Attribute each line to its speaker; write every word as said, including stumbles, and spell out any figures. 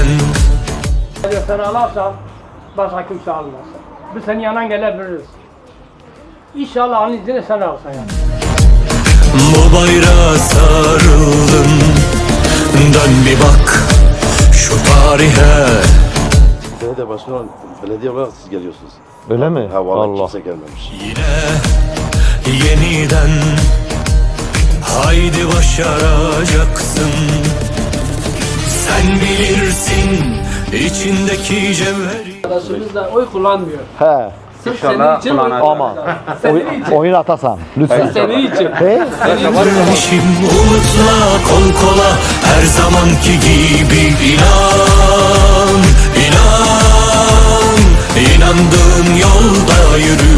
Speaker 1: Sen alarsan başka kimse almaz. Biz senin yanına gelebiliriz. İnşallah Allah'ın izniyle sen alsan yani.
Speaker 2: Bu bayrağa sarıldım. Dön bir bak şu tarihe.
Speaker 3: Belediye başkanı, belediye olarak siz geliyorsunuz.
Speaker 4: Öyle mi?
Speaker 3: Ha vallahi
Speaker 4: Allah.
Speaker 3: kimse gelmemiş.
Speaker 2: Yine yeniden haydi başaracaksın. Sen bilirsin içindeki cevheri.
Speaker 1: Arkadaşımız da oy kullanmıyor.
Speaker 4: He.
Speaker 1: Sırf senin için oy
Speaker 4: Ama oy, oyun atasan lütfen.
Speaker 1: senin için.
Speaker 4: He?
Speaker 2: Kardeşim umutla kol kola her zamanki gibi inan, inan, inandığın yolda yürü.